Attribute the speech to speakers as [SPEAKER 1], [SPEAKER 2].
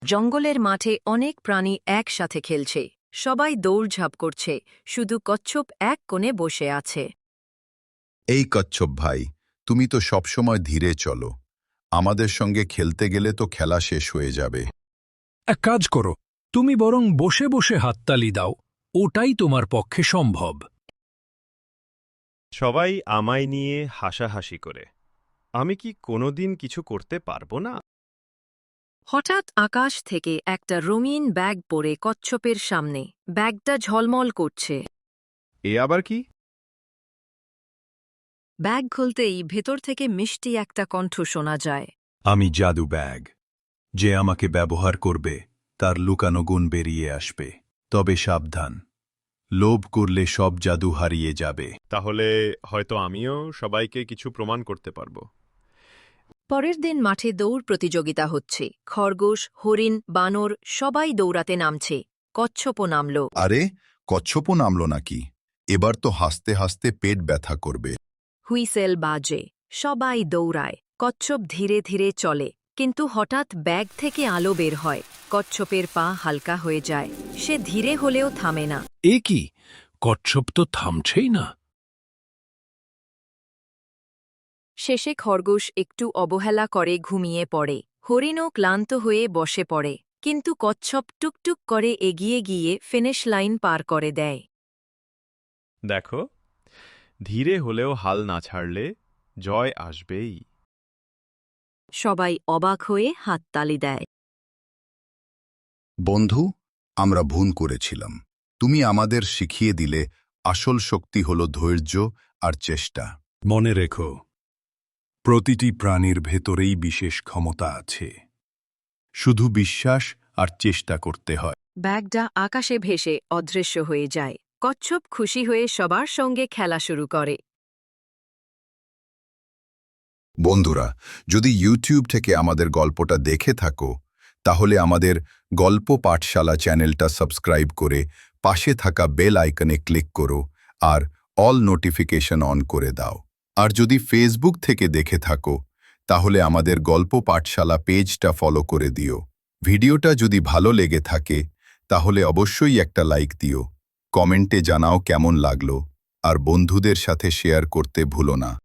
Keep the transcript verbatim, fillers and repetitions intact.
[SPEAKER 1] জঙ্গলের মাঠে অনেক প্রাণী একসাথে খেলছে। সবাই দৌড়ঝাঁপ করছে, শুধু কচ্ছপ এক কোণে বসে আছে।
[SPEAKER 2] এই কচ্ছপ ভাই, তুমি তো সবসময় ধীরে চলো। আমাদের সঙ্গে খেলতে গেলে তো খেলা শেষ হয়ে যাবে।
[SPEAKER 3] এক কাজ করো, তুমি বরং বসে বসে হাততালি দাও, ওটাই তোমার পক্ষে সম্ভব।
[SPEAKER 4] সবাই আমায় নিয়ে হাসাহাসি করে। আমি কি কোনোদিন কিছু করতে পারবো না?
[SPEAKER 1] হঠাৎ আকাশ থেকে একটা রঙিন ব্যাগ পড়ে কচ্ছপের সামনে। ব্যাগটা ঝলমল করছে।
[SPEAKER 4] এ আবার কি?
[SPEAKER 1] ব্যাগ খুলতেই ভেতর থেকে মিষ্টি একটা কণ্ঠ শোনা যায়।
[SPEAKER 3] আমি জাদু ব্যাগ। যে আমাকে ব্যবহার করবে তার লুকানো গুণ বেরিয়ে আসবে। তবে সাবধান, লোভ করলে সব জাদু হারিয়ে যাবে।
[SPEAKER 4] তাহলে হয়তো আমিও সবাইকে কিছু প্রমাণ করতে পারবো।
[SPEAKER 1] পরের দিন মাঠে দৌড় প্রতিযোগিতা হচ্ছে। খরগোশ, হরিণ, বানর সবাই দৌড়াতে নামছে। কচ্ছপও নামল।
[SPEAKER 2] আরে, কচ্ছপও নামলো নাকি? এবার তো হাসতে হাসতে পেট ব্যথা করবে।
[SPEAKER 1] হুইসেল বাজে, সবাই দৌড়ায়। কচ্ছপ ধীরে ধীরে চলে, কিন্তু হঠাৎ ব্যাগ থেকে আলো বের হয়। কচ্ছপের পা হালকা হয়ে যায়। সে ধীরে হলেও থামে না।
[SPEAKER 3] এ কি, কচ্ছপ তো থামছেই না।
[SPEAKER 1] শেষে খরগোশ একটু অবহেলা করে ঘুমিয়ে পড়ে। হরিণও ক্লান্ত হয়ে বসে পড়ে, কিন্তু কচ্ছপ টুকটুক করে এগিয়ে গিয়ে ফিনিশ লাইন পার করে দেয়।
[SPEAKER 4] দেখো, ধীরে হলেও হাল না ছাড়লে জয় আসবেই।
[SPEAKER 1] সবাই অবাক হয়ে হাততালি দেয়।
[SPEAKER 2] বন্ধু, আমরা ভুল করেছিলাম। তুমি আমাদের শিখিয়ে দিলে আসল শক্তি হল ধৈর্য আর চেষ্টা।
[SPEAKER 3] মনে রেখো, প্রতিটি প্রাণীর ভেতরেই বিশেষ ক্ষমতা আছে। শুধু বিশ্বাস আর চেষ্টা করতে হয়।
[SPEAKER 1] ব্যাগটা আকাশে ভেসে অদৃশ্য হয়ে যায়। কচ্ছপ খুশি হয়ে সবার সঙ্গে খেলা শুরু করে।
[SPEAKER 2] বন্ধুরা, যদি ইউটিউব থেকে আমাদের গল্পটা দেখে থাকো, তাহলে আমাদের গল্প পাঠশালা চ্যানেলটা সাবস্ক্রাইব করে পাশে থাকা বেল আইকনে ক্লিক করো আর অল নোটিফিকেশন অন করে দাও। আর যদি ফেসবুক থেকে দেখে থাকো, তাহলে আমাদের গল্প পাঠশালা পেজটা ফলো করে দিও। ভিডিওটা যদি ভালো লেগে থাকে, তাহলে অবশ্যই একটা লাইক দিও। কমেন্টে জানাও কেমন লাগলো, আর বন্ধুদের সাথে শেয়ার করতে ভুলো না।